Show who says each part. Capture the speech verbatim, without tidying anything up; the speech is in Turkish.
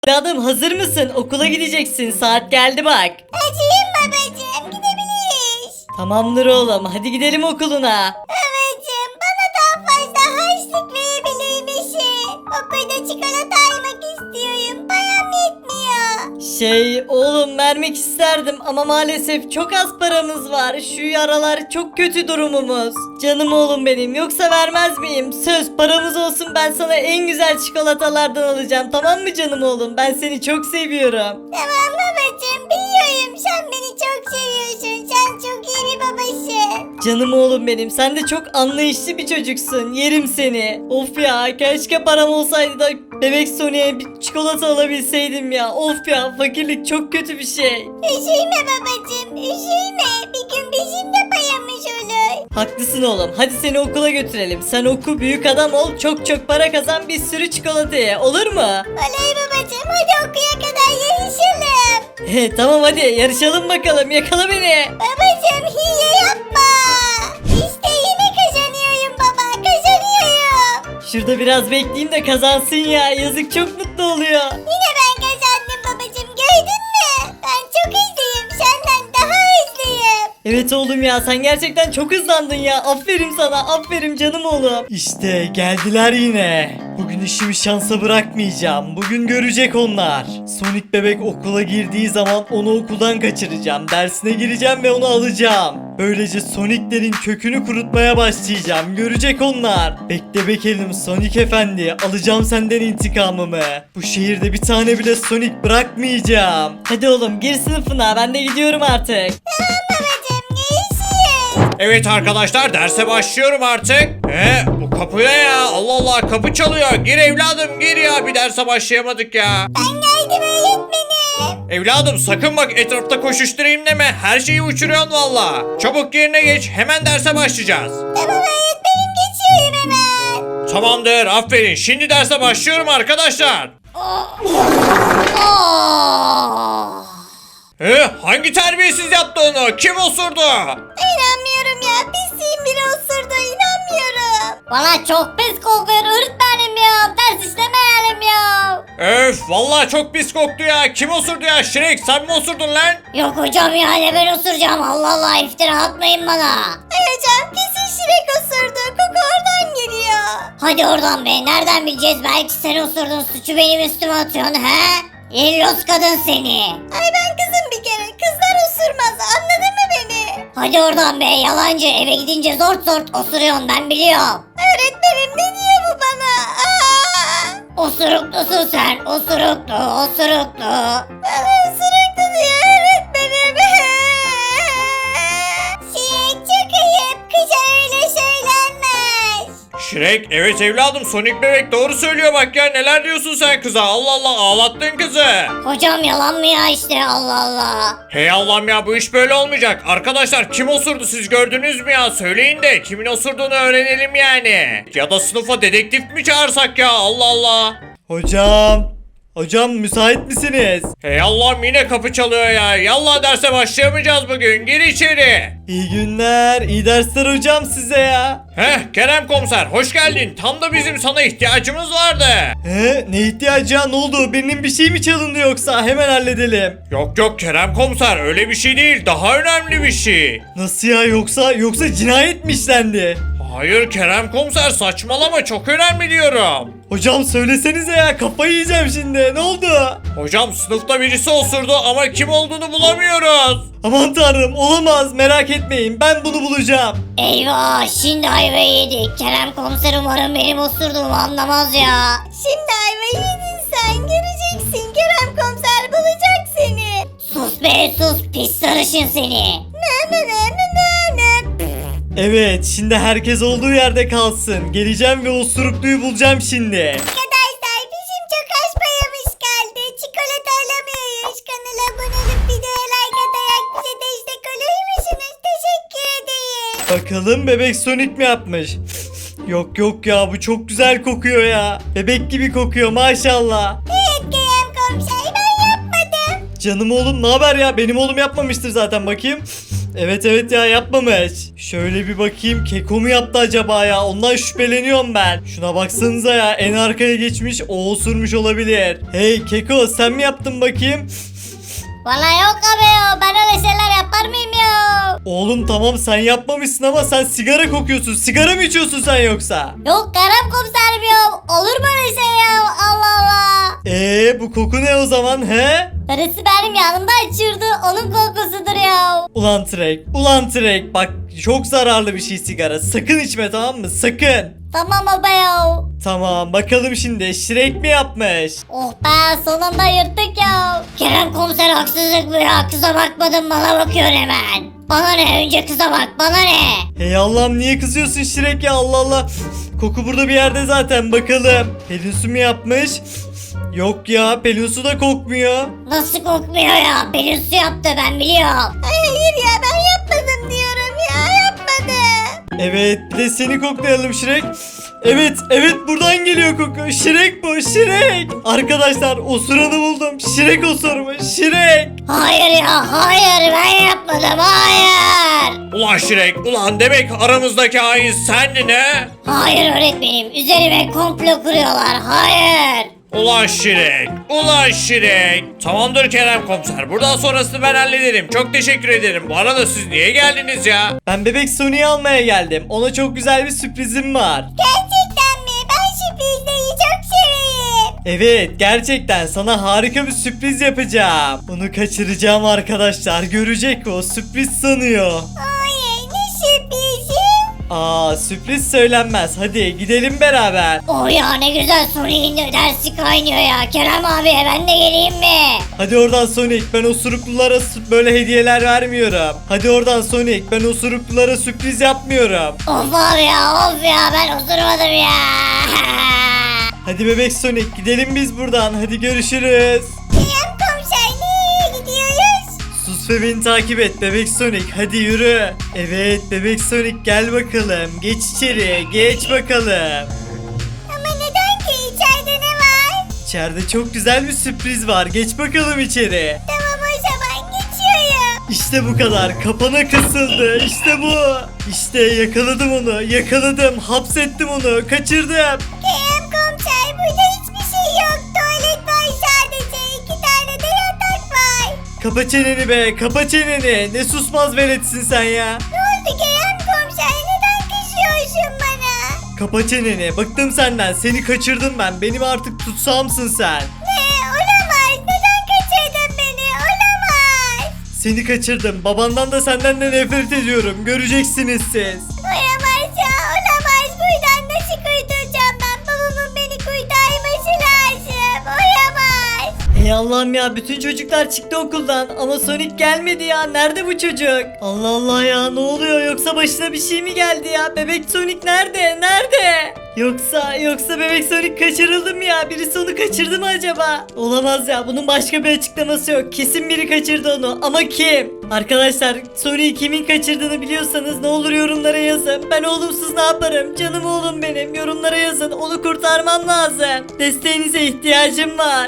Speaker 1: Evladım hazır mısın? Okula gideceksin. Saat geldi bak.
Speaker 2: Acıyım babacığım, gidebiliriz.
Speaker 1: Tamamdır oğlum. Hadi gidelim okuluna.
Speaker 2: Babacığım, bana daha fazla harçlık verebilir misin? Okulda çikolata almak istiyorum. Param yetmiyor.
Speaker 1: Şey oğlum vermek isterdim ama maalesef çok az paramız var. Şu aralar çok kötü durumumuz. Canım oğlum benim, yoksa vermez miyim? Söz, paramız olsun, ben sana en güzel çikolatalardan alacağım, tamam mı canım oğlum? Ben seni çok seviyorum.
Speaker 2: Tamam babacığım, biliyorum sen beni çok seviyorsun. Sen çok iyi bir babasın.
Speaker 1: Canım oğlum benim, sen de çok anlayışlı bir çocuksun. Yerim seni. Of ya, keşke param olsaydı da bebek Sony'e bir çikolata alabilseydim ya. Of ya, fakirlik çok kötü bir şey.
Speaker 2: Üzülme babacığım, üzülme. Bir gün bizim de payımız olur.
Speaker 1: Haklısın oğlum. Hadi seni okula götürelim. Sen oku, büyük adam ol, çok çok para kazan, bir sürü çikolata ye. Olur mu?
Speaker 2: Oley babacığım, hadi okuya kadar yarışalım.
Speaker 1: He tamam, hadi yarışalım bakalım. Yakala beni.
Speaker 2: Babacığım hile yapma. İşte yine kazanıyorum baba, kazanıyorum.
Speaker 1: Şurada biraz bekleyeyim de kazansın ya. Yazık, çok mutlu oluyor.
Speaker 2: Yine ben kazandım babacığım, gördün mü? Ben çok hızlıyım, senden daha hızlıyım.
Speaker 1: Evet oğlum ya, sen gerçekten çok hızlandın ya. Aferin sana, aferin canım oğlum. İşte geldiler yine. Bugün işimi şansa bırakmayacağım. Bugün görecek onlar. Sonic bebek okula girdiği zaman onu okuldan kaçıracağım. Dersine gireceğim ve onu alacağım. Böylece Sonic'lerin kökünü kurutmaya başlayacağım. Görecek onlar. Bekle bakalım Sonic efendi. Alacağım senden intikamımı. Bu şehirde bir tane bile Sonic bırakmayacağım. Hadi oğlum gir sınıfına. Ben de gidiyorum artık.
Speaker 2: Tamam babacığım, görüşürüz.
Speaker 3: Evet arkadaşlar, derse başlıyorum artık. He, bu kapı ne ya? Allah Allah, kapı çalıyor. Gir evladım, gir ya. Bir derse başlayamadık ya.
Speaker 2: Ben geldim öğretmenim.
Speaker 3: Evladım sakın bak etrafta koşuşturayım deme. Her şeyi uçuruyorsun valla. Çabuk yerine geç. Hemen derse başlayacağız.
Speaker 2: Tamam öğretmenim, geçiyorum hemen.
Speaker 3: Tamamdır, aferin. Şimdi derse başlıyorum arkadaşlar. He, hangi terbiyesiz yaptı onu? Kim osurdu?
Speaker 2: İnanmıyorum ya, pisliğin biri osurdu, inanmıyorum.
Speaker 4: Bana çok pis kokuyor öğretmenim ya. Ders işlemeyelim ya.
Speaker 3: Öf, vallahi çok pis koktu ya. Kim osurdu ya? Şirek, sen mi osurdun lan?
Speaker 4: Yok hocam ya, ne ben osuracağım. Allah Allah, iftira atmayın bana.
Speaker 2: Ay hocam, kesin Şirek osurdu, koku oradan geliyor.
Speaker 4: Hadi oradan be, nereden bileceğiz? Belki sen osurdun, suçu benim üstüme atıyorsun he? İllos kadın seni.
Speaker 2: Ay ben kızım bir kere, kızlar osurmaz, anladın mı beni?
Speaker 4: Hadi oradan be, yalancı. Eve gidince zort zort osuruyorsun, ben biliyorum.
Speaker 2: Öğretmenim ne diyor bu bana? Aa!
Speaker 4: Osuruklusun sen, osuruklu, osuruklu.
Speaker 2: Bana osuruktu diyor öğretmenim. Şirek çok ayıp, kıza öyle söylenmez.
Speaker 3: Şirek, evet evladım, Sonic bebek doğru söylüyor bak ya. Neler diyorsun sen kıza? Allah Allah, ağlattın kızı.
Speaker 4: Hocam yalan mı ya işte, Allah Allah.
Speaker 3: Hey Allah'ım ya, bu iş böyle olmayacak. Arkadaşlar kim osurdu, siz gördünüz mü ya? Söyleyin de kimin osurduğunu öğrenelim yani. Ya da sınıfa dedektif mi çağırsak ya? Allah Allah.
Speaker 1: Hocam. Hocam müsait misiniz?
Speaker 3: Hey Allah'ım, yine kapı çalıyor ya. Yallah, derse başlayamayacağız bugün. Gir içeri.
Speaker 1: İyi günler, iyi dersler hocam size ya.
Speaker 3: Heh, Kerem komiser hoş geldin. Tam da bizim sana ihtiyacımız vardı.
Speaker 1: He, ne ihtiyacı ya, ne oldu? Benim bir şey mi çalındı yoksa? Hemen halledelim.
Speaker 3: Yok yok Kerem komiser, öyle bir şey değil. Daha önemli bir şey.
Speaker 1: Nasıl ya, yoksa yoksa cinayet mi işlendi?
Speaker 3: Hayır Kerem komiser, saçmalama, çok önemli diyorum.
Speaker 1: Hocam söylesenize ya, kafayı yiyeceğim şimdi. Ne oldu?
Speaker 3: Hocam sınıfta birisi osurdu ama kim olduğunu bulamıyoruz.
Speaker 1: Aman tanrım, olamaz, merak etmeyin, ben bunu bulacağım.
Speaker 4: Eyvah, şimdi ayvayı yedik. Kerem komiser umarım benim osurduğumu anlamaz ya.
Speaker 2: Şimdi ayvayı yedin sen, göreceksin. Kerem komiser bulacak seni.
Speaker 4: Sus be sus, pis sarışın seni.
Speaker 2: Ne ne ne ne ne ne.
Speaker 1: Evet, şimdi herkes olduğu yerde kalsın. Geleceğim ve osurukluyu bulacağım şimdi.
Speaker 2: Arkadaşlar bizim çok az payımız kaldı. Çikolata alamıyoruz. Kanala abone olup videoya like atarak bize destek olur musunuz? Teşekkür ederiz.
Speaker 1: Bakalım bebek Sonic mi yapmış? Yok yok ya, bu çok güzel kokuyor ya. Bebek gibi kokuyor maşallah.
Speaker 2: Evet Kerem komiser, ben yapmadım.
Speaker 1: Canım oğlum, ne haber ya? Benim oğlum yapmamıştır zaten, bakayım. Evet evet ya, yapmamış. Şöyle bir bakayım, Keko mu yaptı acaba ya? Ondan şüpheleniyorum ben. Şuna baksanıza ya, en arkaya geçmiş, o osurmuş olabilir. Hey Keko, sen mi yaptın bakayım?
Speaker 4: Vallahi yok abi ya. Ben öyle şeyler yapar mıyım ya?
Speaker 1: Oğlum tamam, sen yapmamışsın ama sen sigara kokuyorsun. Sigara mı içiyorsun sen yoksa?
Speaker 4: Yok Kerem komiserim ya. Olur mu öyle şey ya? Allah Allah.
Speaker 1: Eee bu koku ne o zaman he?
Speaker 4: Karısı benim yanımda içiyordu. Onun kokusudur ya.
Speaker 1: Ulan Trek, ulan Trek, bak çok zararlı bir şey sigara. Sakın içme, tamam mı? Sakın.
Speaker 4: Tamam baba ya.
Speaker 1: Tamam, bakalım şimdi Shrek mi yapmış?
Speaker 4: Oh be, sonunda yırttık ya. Kerem komiser haksızlık mı ya? Kıza bakmadım, bana bakıyor hemen. Bana ne, önce kıza bak, bana ne?
Speaker 1: Hey Allah'ım, niye kızıyorsun Shrek ya, Allah Allah. Koku burada bir yerde zaten, bakalım. Pelin Su mu yapmış? Yok ya, Pelin Su da kokmuyor.
Speaker 4: Nasıl kokmuyor ya? Pelin Su yaptı, ben biliyorum.
Speaker 2: Hayır ya, ben yapmadım diyorum ya, yapmadım.
Speaker 1: Evet, bir de seni koklayalım Shrek. Evet, evet, buradan geliyor koku. Shrek bu, Shrek. Arkadaşlar, osuranı buldum. Shrek osurmuş, Shrek.
Speaker 4: Hayır ya, hayır, ben yapmadım, hayır.
Speaker 3: Ulan Şirek, ulan demek aramızdaki hain sendin he?
Speaker 4: Hayır öğretmenim, üzerime komplo kuruyorlar, hayır.
Speaker 3: Ulan Şirek, ulan Şirek. Tamamdır Kerem komiser, buradan sonrasını ben hallederim. Çok teşekkür ederim. Bu arada siz niye geldiniz ya?
Speaker 1: Ben bebek Sony'yi almaya geldim. Ona çok güzel bir sürprizim var.
Speaker 2: Gerçekten mi? Ben sürprizleri çok severim.
Speaker 1: Evet, gerçekten sana harika bir sürpriz yapacağım. Onu kaçıracağım arkadaşlar. Görecek, o sürpriz sanıyor.
Speaker 2: Ay, ne sürprizi?
Speaker 1: Aa, sürpriz söylenmez. Hadi gidelim beraber.
Speaker 4: Oh ya, ne güzel, Sony'in dersi kaynıyor ya. Kerem abi, ben de geleyim mi?
Speaker 1: Hadi oradan Sonic, ben osuruklulara s- böyle hediyeler vermiyorum. Hadi oradan Sonic, ben osuruklulara sürpriz yapmıyorum.
Speaker 4: Of abi ya, of ya, ben osurmadım ya.
Speaker 1: Hadi bebek Sonic, gidelim biz buradan. Hadi görüşürüz.
Speaker 2: Kerem komiser, nereye gidiyoruz?
Speaker 1: Sus ve beni takip et bebek Sonic, hadi yürü. Evet bebek Sonic, gel bakalım. Geç içeri, geç bakalım.
Speaker 2: Ama neden ki? İçeride ne var?
Speaker 1: İçeride çok güzel bir sürpriz var. Geç bakalım içeri.
Speaker 2: Tamam, o zaman geçiyorum.
Speaker 1: İşte bu kadar. Kapana kısıldı. İşte bu. İşte yakaladım onu. Yakaladım. Hapsettim onu. Kaçırdım.
Speaker 2: Kerem komiser, burada hiçbir şey yok. Tuvalet var sadece. İki tane de yatak var.
Speaker 1: Kapa çeneni be. Kapa çeneni. Ne susmaz veletsin sen ya.
Speaker 2: Ne oldu Kerem komiser? Neden kızıyorsun bana?
Speaker 1: Kapa çeneni. Bıktım senden. Seni kaçırdım ben. Benim artık tutsağımsın sen.
Speaker 2: Ne? Olamaz. Neden kaçırdın beni? Olamaz.
Speaker 1: Seni kaçırdım. Babandan da senden de nefret ediyorum. Göreceksiniz siz.
Speaker 2: Olamaz ya. Olamaz. Buradan nasıl kurtulacağım ben? Babamın beni kurtarması lazım. Olamaz.
Speaker 1: Ey Allah'ım ya, bütün çocuklar çıktı okuldan ama Sonic gelmedi ya. Nerede bu çocuk? Allah Allah ya, ne oluyor, yoksa başına bir şey mi geldi ya? Bebek Sonic nerede? Nerede? Yoksa yoksa bebek Sonic kaçırıldı mı ya? Birisi onu kaçırdı mı acaba? Olamaz ya, bunun başka bir açıklaması yok. Kesin biri kaçırdı onu, ama kim? Arkadaşlar, Sonic'i kimin kaçırdığını biliyorsanız ne olur yorumlara yazın. Ben oğlumsuz ne yaparım? Canım oğlum benim. Yorumlara yazın. Onu kurtarmam lazım. Desteğinize ihtiyacım var.